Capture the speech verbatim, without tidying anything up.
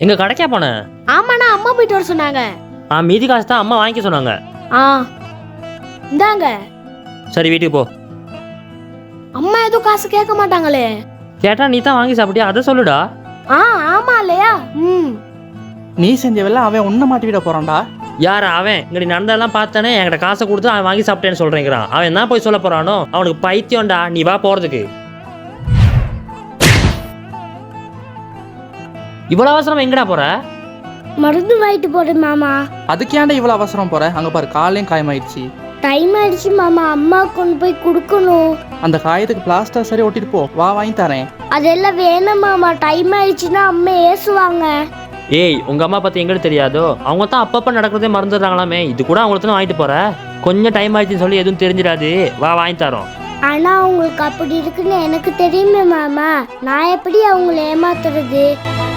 எங்க கடைக்கா போனேன்? ஆமாண்ணா, அம்மா போயிட்டு வர சொன்னாங்க. ஆ, மீதி காசு தான் அம்மா வாங்கிக்க சொன்னாங்க. ஆ இந்தாங்க. சரி, வீட்டுக்கு போ. அம்மா எதுவும் காசு கேட்க மாட்டாங்களே. கேட்டா நீ தான் வாங்கி சாப்பிட்டியா, அதை சொல்லுடா. ஆ ஆமா இல்லையா? ம் நீ செஞ்சவெல்ல அவன் ஒன்றை மாட்டி விட போறான்டா. யார் அவன்? இங்கே நடந்ததெல்லாம் பார்த்தானே என்கிட்ட காசை கொடுத்து அவன் வாங்கி சாப்பிட்டேன்னு சொல்றேங்கிறான். அவன் என்ன போய் சொல்ல போறானோ? அவனுக்கு பைத்தியம்டா. நீ வா போறதுக்கு. இவ்வளவு அவசரம் எங்கடா போற? மருந்து வாங்கிட்டு போறேன் மாமா. அதுக்கு ஏன்டா இவ்வளவு அவசரம் போற? அங்க பாரு, காலையும் காயமாயிடுச்சு. டைம் ஆயிடுச்சு மாமா, அம்மா கொண்டு போய் கொடுக்கணும். அந்த காயத்துக்கு பிளாஸ்டர் சரி ஒட்டிட்டு போ, வா வாங்கி தரேன். அதெல்லாம் வேணாம் மாமா, டைம் ஆயிடுச்சுன்னா அம்மா ஏசுவாங்க. ஏய், உங்க அம்மா பத்தி எங்களுக்கு தெரியாதோ? அவங்க தான் அப்பப்ப நடக்கிறதே மறந்துடுறாங்களாமே. இது கூட அவங்களுக்கு வாங்கிட்டு போற? கொஞ்சம் டைம் ஆயிடுச்சுன்னு சொல்லி எதுவும் தெரிஞ்சிடாது. வா வாங்கி தரோம். ஆனா அவங்களுக்கு அப்படி இருக்குன்னு எனக்கு தெரியுமே மாமா, நான் எப்படி அவங்கள ஏமாத்துறது?